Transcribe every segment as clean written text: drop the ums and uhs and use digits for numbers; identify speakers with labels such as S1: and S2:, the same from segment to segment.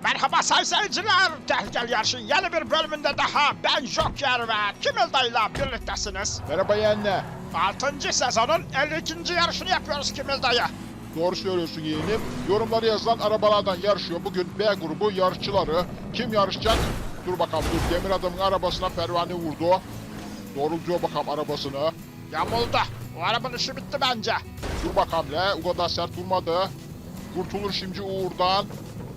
S1: Merhaba sayın seyirciler. Gel gel yarışın yeni bir bölümünde daha ben Joker ve Kimil dayıyla birliktesiniz.
S2: Merhaba yeğenle.
S1: 6. sezonun 52. yarışını yapıyoruz Kimil dayı.
S2: Doğru söylüyorsun yeğenim. Yorumları yazılan arabalardan yarışıyor. Bugün B grubu yarışçıları. Kim yarışacak? Dur bakalım dur. Demir adamın arabasına pervane vurdu. Doğrultuyor bakalım arabasını.
S1: Yamuldu. O arabanın işi bitti bence.
S2: Dur bakalım le. O kadar sert vurmadı. Kurtulur şimdi Uğur'dan.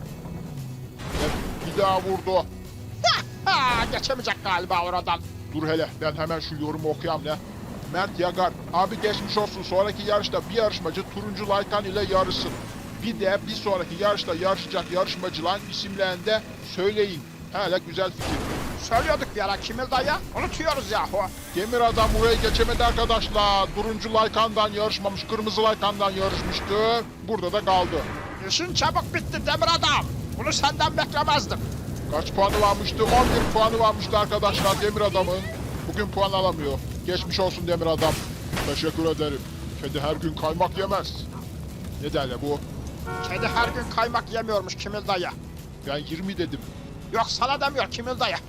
S2: Bir daha vurdu.
S1: Geçemeyecek galiba oradan.
S2: Dur hele ben hemen şu yorumu okuyayım le. Mert Yagar. Abi geçmiş olsun. Sonraki yarışta bir yarışmacı turuncu Laykan ile yarışsın. Bir de bir sonraki yarışta yarışacak yarışmacıların isimlerini de söyleyin. Hele güzel fikir.
S1: Söylüyorduk bir ara Kimil dayı. Unutuyoruz yahu.
S2: Demir adam burayı geçemedi arkadaşlar. Turuncu Laykan'dan yarışmamış, kırmızı Laykan'dan yarışmıştı. Burada da kaldı.
S1: İşin çabuk bitti Demir adam. Bunu senden beklemezdim.
S2: Kaç puanı varmıştı? 11 puanı varmıştı arkadaşlar Demir adamın. Bugün puan alamıyor. Geçmiş olsun Demir adam. Teşekkür ederim. Kedi her gün kaymak yemez. Ne derler bu?
S1: Kedi her gün kaymak yemiyormuş Kimil dayı.
S2: Ben 20 dedim.
S1: Yok sana demiyor Kimil dayı.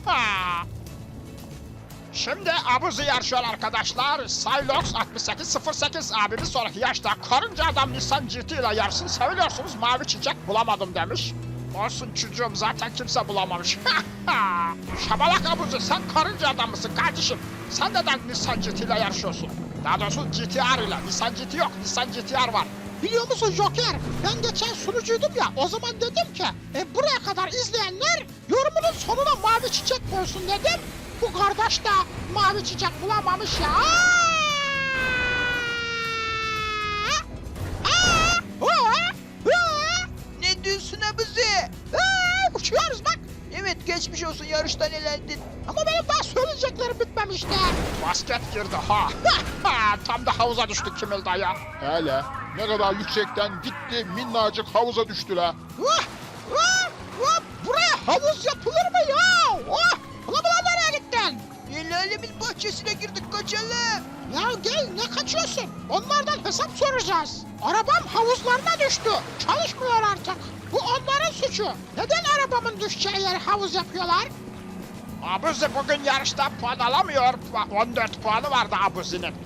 S1: Şimdi Abuzi yarışıyor arkadaşlar. Silox 6808 abi bir sonraki yaşta karınca adam Nissan GT ile yarışsın. Seviyorsunuz mavi çiçek bulamadım demiş. Olsun çocuğum zaten kimse bulamamış. Şabalak Abuzi sen karınca adam mısın kardeşim? Sen neden Nissan GT ile yarışıyorsun? Daha doğrusu GTR ile. Nissan GT yok, Nissan GTR var.
S3: Biliyor musun Joker? Ben geçen sunucuydum ya, o zaman dedim ki buraya kadar izleyenler yorumunun sonuna mavi çiçek koysun dedim. Bu kardeş de mavi çiçek bulamamış ya.
S4: Ne diyorsun abuzi?
S3: Uçuyoruz bak.
S4: Evet geçmiş olsun yarıştan elendin.
S3: Ama benim daha söyleyeceklerim bitmemişti.
S1: Basket girdi ha. Tam da havuza düştük Kimil dayı.
S2: Hele ne kadar yüksekten gitti minnacık havuza düştü la.
S3: Buraya havuz yapılır mı ya? Ulan nereye gittin?
S4: El alemin bahçesine girdik kaçalım.
S3: Ya gel, ne kaçıyorsun? Onlardan hesap soracağız. Arabam havuzlarına düştü. Çalışmıyor artık. Bu onların suçu. Neden arabamın düşeceği yere havuz yapıyorlar?
S1: Abuzi bugün yarışta puan alamıyor. 14 puanı vardı Abuzi'nin.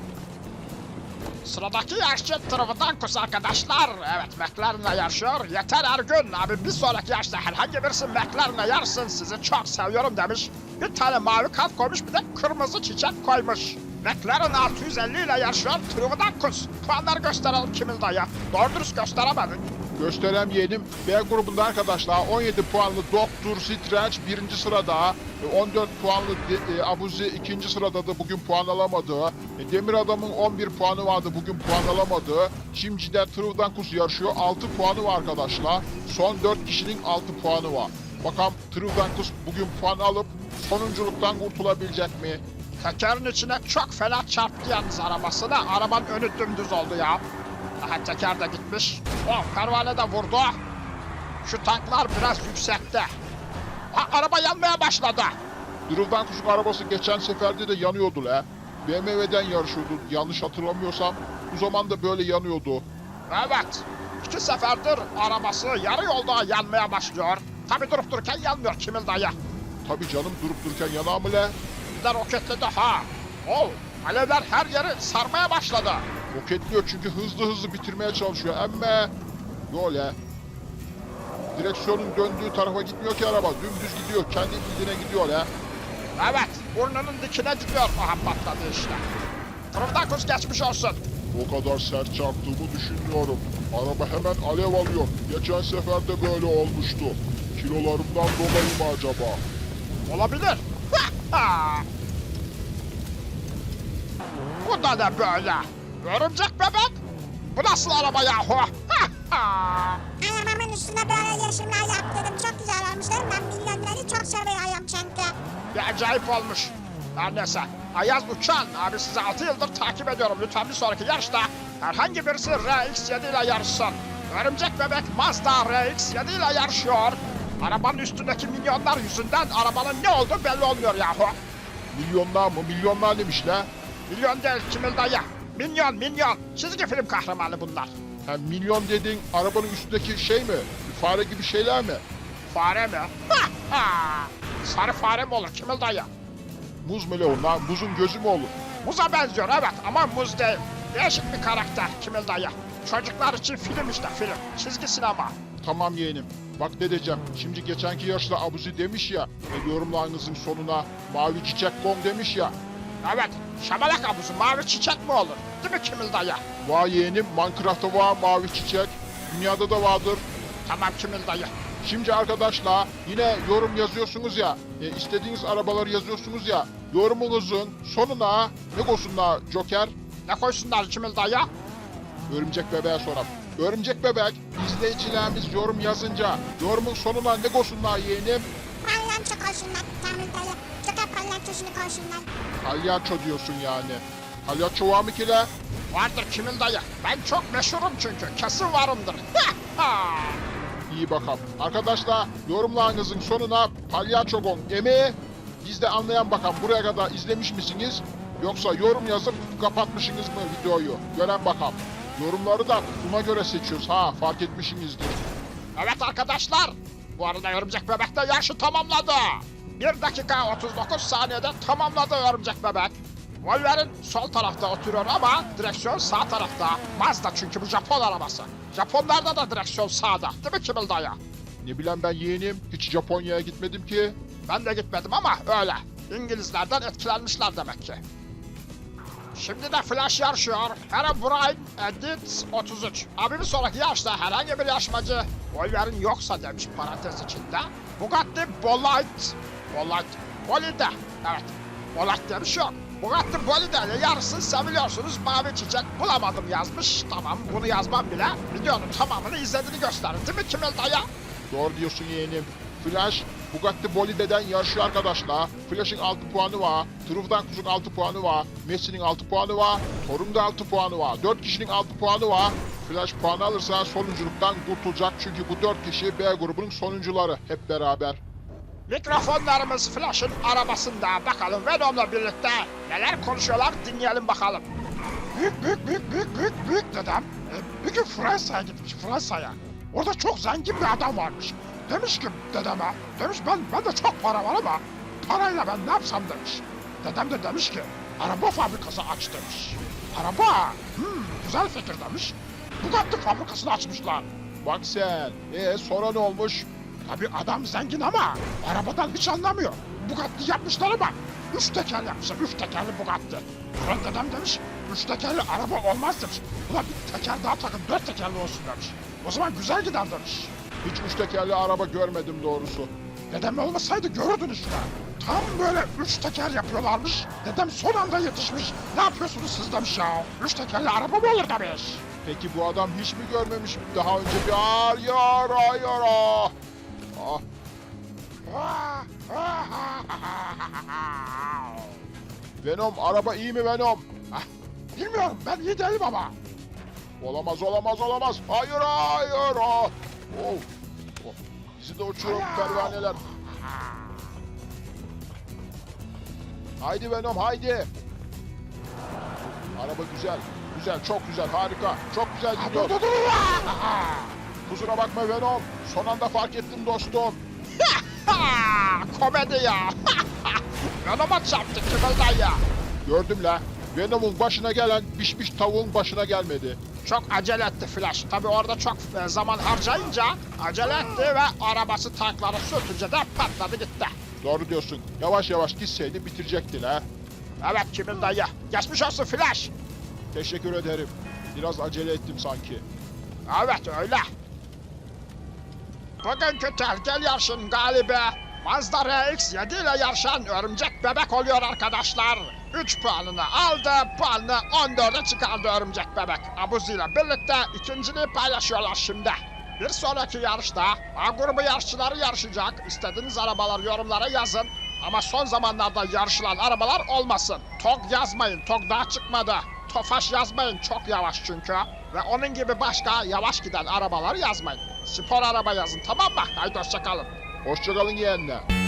S1: Sıradaki yarışçı Trivdankus arkadaşlar. Evet McLaren'la yarışıyor. Yeter Ergün abi bir sonraki yarışta herhangi birisi McLaren'la yarışsın. Sizi çok seviyorum demiş. Bir tane mavi kalp koymuş bir de kırmızı çiçek koymuş. McLaren 650 ile yarışıyor Trivdankus. Puanları gösterelim Kimil dayı. Doğru dürüst gösteremedin.
S2: Gösterem yeğenim. B grubunda arkadaşlar 17 puanlı Doktor Strange birinci sırada. 14 puanlı Abuzi ikinci sırada da bugün puan alamadı. Demir adamın 11 puanı vardı bugün puan alamadı. Şimdi de Trivdankus yarışıyor 6 puanı var arkadaşlar. Son 4 kişinin 6 puanı var. Bakalım Trivdankus bugün puan alıp sonunculuktan kurtulabilecek mi?
S1: Tekerin içine çok fena çarptı yalnız arabasına. Arabanın önü dümdüz oldu ya. Aha teker de gitmiş. Pervane de vurdu. Şu tanklar biraz yüksekte. Araba yanmaya başladı.
S2: Trivdankus'un arabası geçen seferde de yanıyordu la. BMW'den yarışıyordu yanlış hatırlamıyorsam. Bu zaman da böyle yanıyordu.
S1: Evet. 2 seferdir arabası yarı yolda yanmaya başlıyor. Tabi durup dururken yanmıyor Kimil dayı.
S2: Tabii canım durup dururken yanar mı la?
S1: Bir de roketledi ha. Alevler her yeri sarmaya başladı.
S2: Roketliyor çünkü hızlı bitirmeye çalışıyor. Emme böyle. Direksiyonun döndüğü tarafa gitmiyor ki araba. Dümdüz gidiyor. Kendi bildiğine gidiyor ya.
S1: Evet. Burnunun dikine gidiyor. Aha patladı işte. Trivdankus geçmiş olsun.
S2: O kadar sert çarptığımı düşünmüyorum. Araba hemen alev alıyor. Geçen sefer de böyle olmuştu. Kilolarımdan dolayı mı acaba?
S1: Olabilir. Bu da ne böyle? Örümcek bebek? Bu nasıl araba yahu?
S5: Ayağımın üstüne böyle yeşimler yaptırdım. Çok güzel olmuşlar. Ben milyonları çok seviyorum çünkü.
S1: Bir acayip olmuş. Her neyse. Ayaz Uçan abi sizi 6 yıldır takip ediyorum. Lütfen bir sonraki yarışta herhangi birisi RX-7 ile yarışsın. Örümcek bebek Mazda RX-7 ile yarışıyor. Arabanın üstündeki milyonlar yüzünden arabanın ne olduğu belli olmuyor yahu.
S2: Milyonlar mı? Milyonlar demiş la.
S1: Milyon değil Kimil dayı. Minyon. Çizgi film kahramanı bunlar.
S2: Ha, milyon dediğin arabanın üstündeki şey mi? fare gibi şeyler mi?
S1: Fare mi? Sarı fare mi olur Kimil dayı?
S2: Muz mu Leon lan? Muzun gözü mü olur?
S1: Muza benziyor evet ama muz değil. Değişik bir karakter Kimil dayı. Çocuklar için film işte film. Çizgi sinema.
S2: Tamam yeğenim. Bak ne diyeceğim. Şimdi geçenki yaşta Abuzi demiş ya. Yorumlarınızın sonuna mavi çiçek bom demiş ya.
S1: Evet, şamalak abuzu mavi çiçek mi olur? Değil mi Kimil dayı?
S2: Vay yeğenim, Minecraft'ta var mavi çiçek. Dünyada da vardır.
S1: Tamam Kimil dayı.
S2: Şimdi arkadaşlar yine yorum yazıyorsunuz ya. İstediğiniz arabaları yazıyorsunuz ya. Yorumunuzun sonuna ne koysunlar Joker?
S1: Ne koysunlar Kimil dayı?
S2: Örümcek bebeğe soralım. Örümcek bebek izleyicilerimiz yorum yazınca yorumun sonuna ne koysunlar yeğenim?
S5: Palyaço koşunlar. Kamil dayı. Joker palyaçosunu koşunlar.
S2: Palyaço diyorsun yani. Palyaço var mı ki la?
S1: Vardır Kimil dayı. Ben çok meşhurum çünkü. Kesin varımdır.
S2: İyi bakalım. Arkadaşlar yorumlarınızın sonuna palyaço gon emi. Biz de anlayan bakalım buraya kadar izlemiş misiniz? Yoksa yorum yazıp kapatmışsınız mı videoyu? Gören bakalım. Yorumları da buna göre seçiyoruz ha fark etmişsinizdir.
S1: Evet arkadaşlar. Bu arada Örümcek Bebek de yarışı tamamladı. 1 dakika 39 saniyede tamamladı Örümcek Bebek. Wolverine sol tarafta oturuyor ama direksiyon sağ tarafta. Mazda çünkü bu Japon arabası. Japonlarda da direksiyon sağda. Değil mi Kimil dayı?
S2: Ne bileyim ben yeğenim hiç Japonya'ya gitmedim ki.
S1: Ben de gitmedim ama öyle. İngilizlerden etkilenmişler demek ki. Şimdi de Flash yarışıyor. Herobrine Edit 33. Abi bir sonraki yarışta herhangi bir yarışmacı Wolverine yoksa demiş parantez içinde. Bugatti Bolide. Evet. Bolide diye bir şey yok. Bugatti Bolide ile yarışsın seviliyorsunuz. Mavi çiçek bulamadım yazmış. Tamam bunu yazmam bile videonun tamamını izlediğini gösterir değil mi Kimil dayı?
S2: Doğru diyorsun yeğenim. Flash Bugatti Bolide'den yarışıyor arkadaşlar. Flash'ın 6 puanı var. Truf'dan Kuz'un 6 puanı var. Messi'nin 6 puanı var. Thor'un da 6 puanı var. 4 kişinin 6 puanı var. Flash puanı alırsa sonunculuktan kurtulacak. Çünkü bu 4 kişi B grubunun sonuncuları hep beraber.
S1: Mikrofonlarımız Flash'ın arabasında. Bakalım Venom'la birlikte neler konuşuyorlar dinleyelim bakalım. Büyük dedem bir gün Fransa'ya gitmiş Fransa'ya. Orada çok zengin bir adam varmış. Demiş ki dedeme, demiş ben de çok para var ama parayla ben ne yapsam demiş. Dedem de demiş ki araba fabrikası aç demiş. Araba, güzel fikir demiş. Bugatti fabrikasını açmışlar.
S2: Bak sen. Sonra ne olmuş?
S1: Tabii adam zengin ama arabadan hiç anlamıyor. Bugatti yapmışlar ama 3 teker yapmışlar, 3 tekerli Bugatti. Sonra dedem demiş, 3 tekerli araba olmaz demiş. Ulan bir teker daha takın, 4 tekerli olsun demiş. O zaman güzel gider demiş.
S2: Hiç 3 tekerli araba görmedim doğrusu.
S1: Dedem olmasaydı görürdün işte. Tam böyle 3 teker yapıyorlarmış. Dedem son anda yetişmiş. Ne yapıyorsunuz siz demiş ya. 3 tekerli araba mı olur demiş.
S2: Peki bu adam hiç mi görmemiş daha önce bir hayır ah. Venom araba iyi mi Venom?
S1: Bilmiyorum ben iyi değilim ama.
S2: Olamaz. Hayır ah. Oh. Bizi de uçurum pervaneler. Haydi Venom haydi. Araba güzel. Çok güzel harika. Çok güzel gidiyor.
S1: Dur.
S2: Kusura bakma Venom. Son anda fark ettim dostum.
S1: Komedi ya. Venom'a çarptı Kimil dayı.
S2: Gördüm la. Venom'un başına gelen pişmiş tavuğun başına gelmedi.
S1: Çok acele etti Flash. Tabi orada çok zaman harcayınca acele etti ve arabası tankları sürtünce de patladı gitti.
S2: Doğru diyorsun. Yavaş gitseydi bitirecekti la.
S1: Evet Kimil dayı. Geçmiş olsun Flash.
S2: Teşekkür ederim. Biraz acele ettim sanki.
S1: Evet öyle. Bugünkü tehlikeli yarışın galibi Mazda RX-7 ile yarışan Örümcek Bebek oluyor arkadaşlar. 3 puanını aldı, puanını 14'e çıkardı Örümcek Bebek. Abuzi ile birlikte ikinciliği paylaşıyorlar şimdi. Bir sonraki yarışta A grubu yarışçıları yarışacak. İstediğiniz arabaları yorumlara yazın. Ama son zamanlarda yarışılan arabalar olmasın. TOG yazmayın, TOG daha çıkmadı. Tofaş yazmayın, çok yavaş çünkü. Ve onun gibi başka yavaş giden arabaları yazmayın. Spor araba yazın, tamam mı? Haydi hoşçakalın.
S2: Hoşçakalın yeğenler.